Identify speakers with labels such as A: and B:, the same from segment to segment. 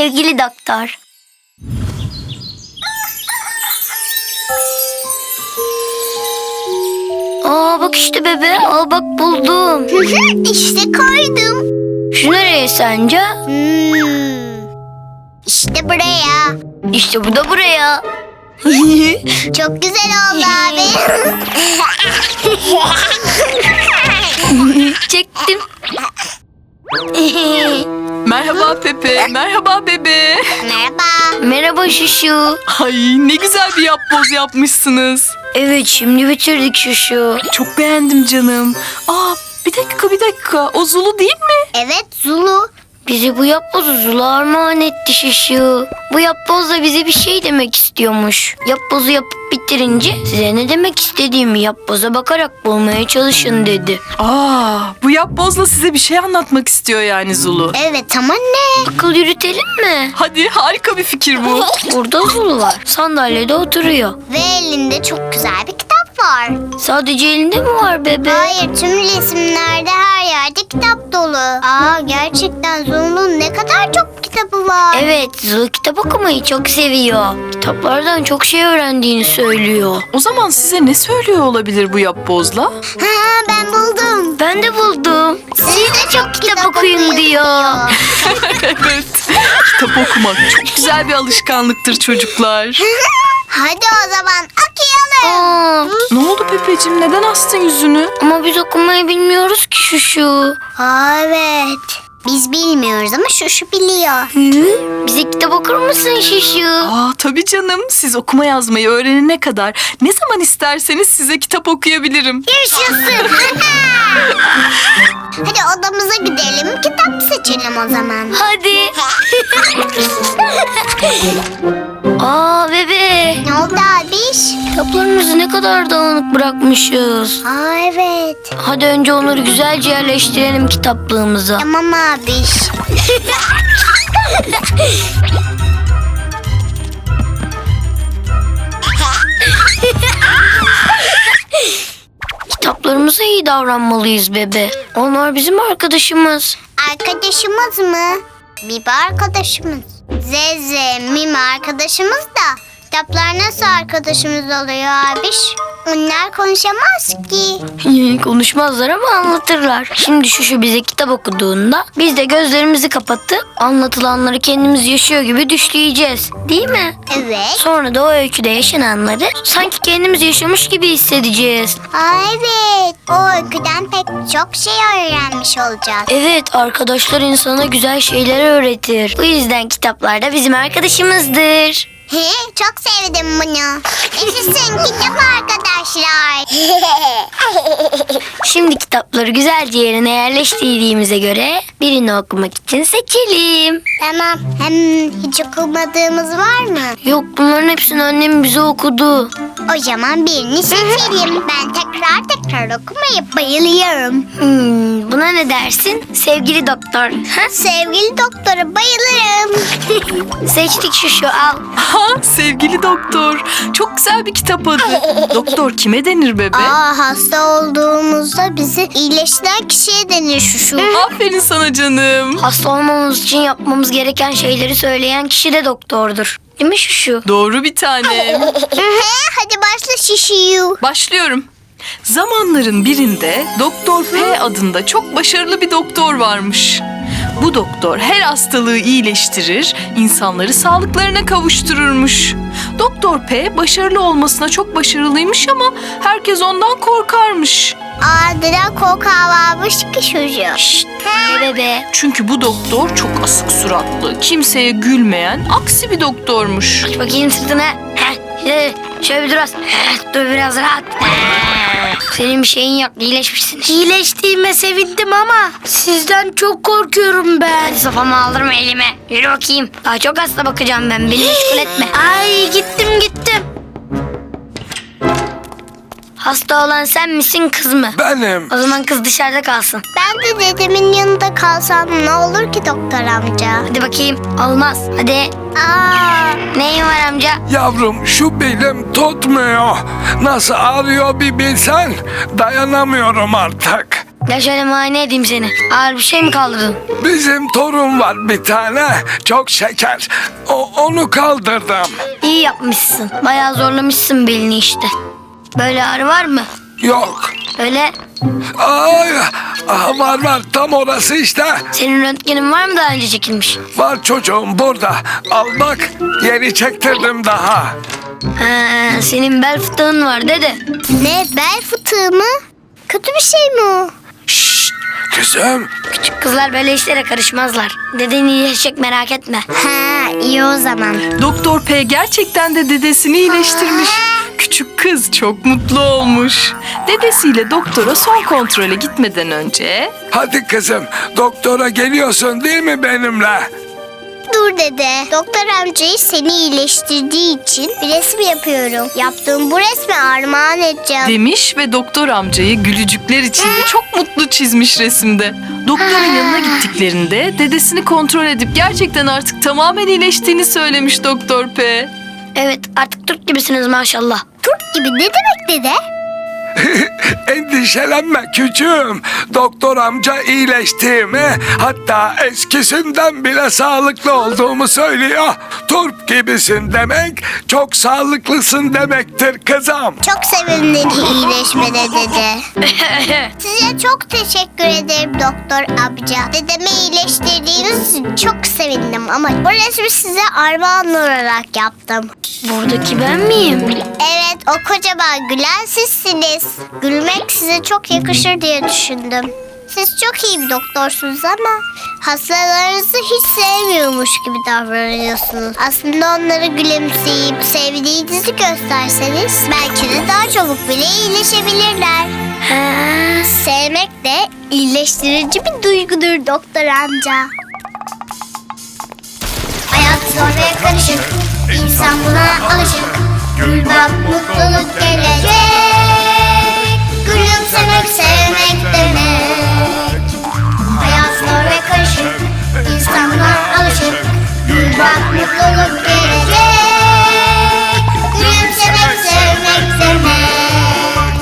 A: sevgili doktor. Aa bak işte bebe. Aa bak buldum.
B: İşte koydum.
A: Şu nereye sence?
B: İşte buraya.
A: İşte bu da buraya.
B: Çok güzel oldu abi.
A: Çektim.
C: Merhaba Pepe, merhaba bebe.
B: Merhaba.
A: Merhaba Şuşu.
C: Ay ne güzel bir yapboz yapmışsınız.
A: Evet şimdi bitirdik Şuşu.
C: Çok beğendim canım. Aa bir dakika. O Zulu değil mi?
B: Evet Zulu.
A: Bize bu yapbozu Zula armağan etti Şuşu. Bu yapboz da bize bir şey demek istiyormuş. Yapbozu yapıp bitirince size ne demek istediğimi yapboza bakarak bulmaya çalışın dedi.
C: Aa bu yapbozla size bir şey anlatmak istiyor yani Zulu.
B: Evet ama ne?
A: Akıl yürütelim mi?
C: Hadi harika bir fikir bu.
A: Burada Zulu var. Sandalyede oturuyor.
B: Ve elinde çok güzel bir kitap var.
A: Sadece elinde mi var bebe?
B: Hayır, tüm resimlerde her yerde kitap dolu. Aa, gerçekten Zulu'nun ne kadar çok kitabı var.
A: Evet, Zulu kitap okumayı çok seviyor. Kitaplardan çok şey öğrendiğini söylüyor.
C: O zaman size ne söylüyor olabilir bu yapbozla?
B: Ha, ben buldum.
A: Ben de buldum.
B: Siz de çok
A: Kitap okuyun diyor.
C: Evet. Kitap okumak çok güzel bir alışkanlıktır çocuklar.
B: Hadi o zaman okuyalım.
A: Aa,
C: Ne oldu Pepeciğim? Neden astın yüzünü?
A: ama biz okumayı bilmiyoruz ki Şuşu.
B: Aa, evet. Biz bilmiyoruz ama şu biliyor.
A: Hı? Bize kitap okur musun Şuşu?
C: Aa tabii canım. Siz okuma yazmayı öğrenene kadar ne zaman isterseniz size kitap okuyabilirim.
B: Yaşasın. Hadi odamıza gidelim, kitap seçelim o zaman.
A: Hadi. Aa bebe.
B: Ne oldu abiş?
A: Kitaplarımızı ne kadar dağınık bırakmışız.
B: Aa, evet.
A: Hadi önce onları güzelce yerleştirelim kitaplığımıza.
B: Tamam abiş.
A: Kitaplarımıza iyi davranmalıyız bebe. Onlar bizim arkadaşımız.
B: Arkadaşımız mı? Bibi arkadaşımız. Zeze, Mimi arkadaşımız da kitaplar nasıl arkadaşımız oluyor abiş? Onlar konuşamaz ki.
A: Konuşmazlar ama anlatırlar. Şimdi şu bize kitap okuduğunda biz de gözlerimizi kapatıp anlatılanları kendimiz yaşıyor gibi düşleyeceğiz. Değil mi?
B: Evet.
A: Sonra da o öyküde yaşananları sanki kendimiz yaşamış gibi hissedeceğiz.
B: Aa, evet. O öyküden pek çok şey öğrenmiş olacağız.
A: Evet, arkadaşlar insana güzel şeyler öğretir. Bu yüzden kitaplar da bizim arkadaşımızdır.
B: He, çok sevdim bunu. Yaşasın kitap arkadaşlar.
A: Şimdi kitapları güzelce yerine yerleştirdiğimize göre birini okumak için seçelim.
B: Tamam. Hem hiç okumadığımız var mı?
A: Yok, bunların hepsini annem bize okudu.
B: O zaman birini seçelim. Ben tekrar okumayı bayılıyorum.
A: Buna ne dersin sevgili doktor? Ha?
B: Sevgili doktora bayılırım.
A: Seçtik şu al.
C: Ha sevgili doktor. Çok güzel bir kitap adı. Doktor kime denir bebe?
B: Aa, hasta olduğumuzda bizi iyileştiren kişiye denir şu.
C: Aferin sana canım.
A: Hasta olmamız için yapmamız gereken şeyleri söyleyen kişi de doktordur. Değil mi şu?
C: Doğru bir tane.
B: Hadi başla şişiyu.
C: Başlıyorum. Zamanların birinde Doktor P adında çok başarılı bir doktor varmış. Bu doktor her hastalığı iyileştirir, insanları sağlıklarına kavuştururmuş. Doktor P başarılı olmasına çok başarılıymış ama herkes ondan korkarmış.
B: Ardına korkağı varmış ki çocuğu.
A: Şşt, bebe.
C: Çünkü bu doktor çok asık suratlı, kimseye gülmeyen, aksi bir doktormuş.
A: Aç bakayım sırtına. Şöyle bir dur az. Dur biraz rahat. Senin bir şeyin yok, iyileşmişsin. İyileştiğime sevindim ama sizden çok korkuyorum ben. Hadi sopamı aldırma elime. Yürü bakayım. Daha çok hasta bakacağım ben. Beni meşgul etme. Ay gittim. Hasta olan sen misin kız mı?
D: Benim.
A: O zaman kız dışarıda kalsın.
B: Ben de dedemin yanında kalsam ne olur ki doktor amca?
A: Hadi bakayım. Olmaz. Hadi.
B: Aa,
A: Neyin var amca?
D: Yavrum şu belim tutmuyor. Nasıl ağrıyor bir bilsen. Dayanamıyorum artık.
A: Gel şöyle muayene edeyim seni. Ağır bir şey mi kaldırdın?
D: Bizim torun var bir tane. Çok şeker. Onu kaldırdım.
A: İyi yapmışsın. Bayağı zorlamışsın belini işte. Böyle ağrı var mı?
D: Yok.
A: Öyle.
D: Ay, var tam orası işte.
A: Senin röntgenin var mı daha önce çekilmiş?
D: Var çocuğum burada. Al bak yeni çektirdim daha.
A: Ha, senin bel fıtığın var dede.
B: Ne, bel fıtığı mı? Kötü bir şey mi o?
D: Şşt kızım.
A: Küçük kızlar böyle işlere karışmazlar. Deden iyileşecek merak etme.
B: Ha, iyi o zaman.
C: Doktor P gerçekten de dedesini iyileştirmiş. Küçük kız çok mutlu olmuş. Dedesiyle doktora son kontrole gitmeden önce...
D: Hadi kızım doktora geliyorsun değil mi benimle?
B: Dur dede. Doktor amcayı seni iyileştirdiği için bir resim yapıyorum. Yaptığım bu resmi armağan edeceğim.
C: demiş ve doktor amcayı gülücükler içinde çok mutlu çizmiş resimde. Doktorun yanına gittiklerinde dedesini kontrol edip gerçekten artık tamamen iyileştiğini söylemiş Doktor P.
A: Evet artık Türk gibisiniz maşallah.
B: Turp gibi ne demek dede?
D: Endişelenme küçüğüm. Doktor amca iyileştiğimi, hatta eskisinden bile sağlıklı olduğumu söylüyor. Turp gibisin demek, çok sağlıklısın demektir kızım.
B: Çok sevindim iyileşmene dede. Size çok teşekkür ederim doktor amca. Dedemi iyileştirdiğiniz için çok sevindim ama bu resmi size armağan olarak yaptım.
A: Buradaki ben miyim?
B: Evet, o kocaman gülen sizsiniz. Gülmek size çok yakışır diye düşündüm. Siz çok iyi bir doktorsunuz ama hastalarınızı hiç sevmiyormuş gibi davranıyorsunuz. Aslında onları gülümseyip sevdiğinizi gösterseniz belki de daha çabuk bile iyileşebilirler.
A: Ha,
B: Sevmek de iyileştirici bir duygudur doktor amca. Hayat zor ve karışık, insan buna alışık. Gül bak mutluluk gelecek. Gülümsemek sevmek demek. Hayat zor ve karışık, insan buna alışık. Gül bak mutluluk gelecek. Gülümsemek sevmek demek.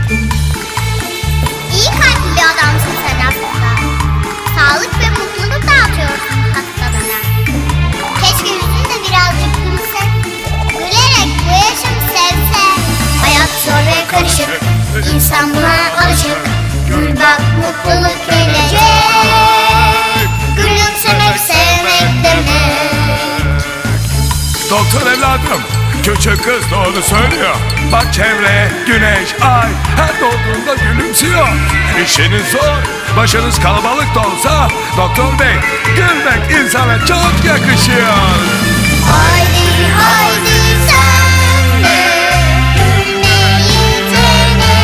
B: İyi kalpli bir adamsın sen aslında. Sağlık ve mutluluk dağıtıyorsun hastalara. Keşke yüzün de birazcık gülse. Gülerek bu yaşamı sevse. Hayat zor ve karışık, insan buna alışık. Gül bak mutluluk gelecek. Gülümsemek sevmek demek.
D: Doktor evladım, küçük kız doğru söylüyor. Bak çevreye güneş, ay her doğduğunda gülümsüyor. İşiniz zor, başınız kalabalık da olsa doktor bey, gülmek insana çok yakışıyor.
B: Haydi haydi sen de gülmeyi dene.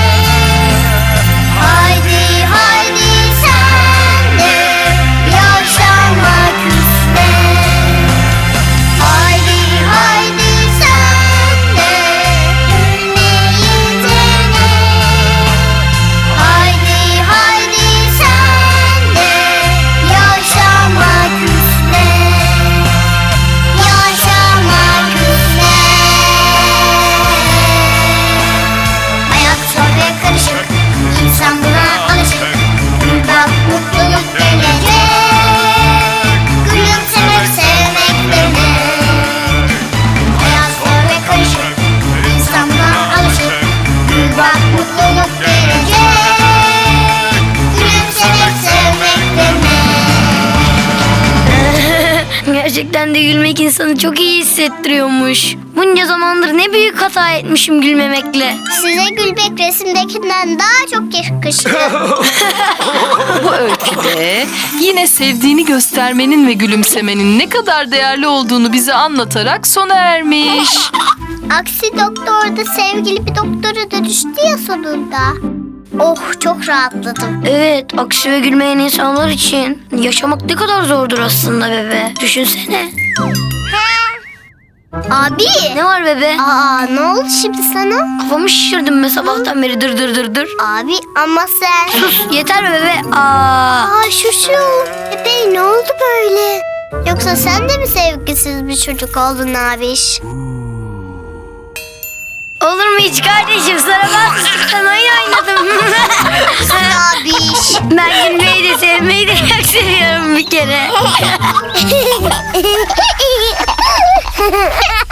B: Haydi haydi sen de yaşamak iste. Haydi haydi sen de gülmeyi dene. Haydi haydi sen de yaşamak iste. Yaşamak üzere. Hayat zor ve karışık, insan buna alışık. Gül bak mutluluk gelecek. Gülümsemek sevmek demek. Hayat zor ve karışık, insan buna alışık. Gül bak mutluluk gelecek. Gülümsemek sevmek demek.
A: gerçekten de gülmek insanı çok iyi hissettiriyormuş. Bunca zamandır ne büyük hata etmişim gülmemekle.
B: Size gülmek resimdekinden daha çok yakışıyor.
C: Bu öyküde yine sevdiğini göstermenin ve gülümsemenin ne kadar değerli olduğunu bize anlatarak sona ermiş.
B: Aksi doktor da sevgili bir doktora dönüştü ya sonunda. Oh, çok rahatladım.
A: Evet, aksi ve gülmeyen insanlar için yaşamak ne kadar zordur aslında bebe. Düşünsene.
B: Abi.
A: Ne var bebe?
B: Aa, ne oldu şimdi sana?
A: Kafamı şişirdim be sabahtan beri dır dır dır dır.
B: Abi ama sen...
A: Sus yeter be bebe. Aa.
B: Aa, şu. Bey ne oldu böyle? Yoksa sen de mi sevgisiz bir çocuk oldun abiş?
A: Olur mu hiç kardeşim? Sana ben oyun oynadım.
B: Abiş.
A: seviyorum bir kere.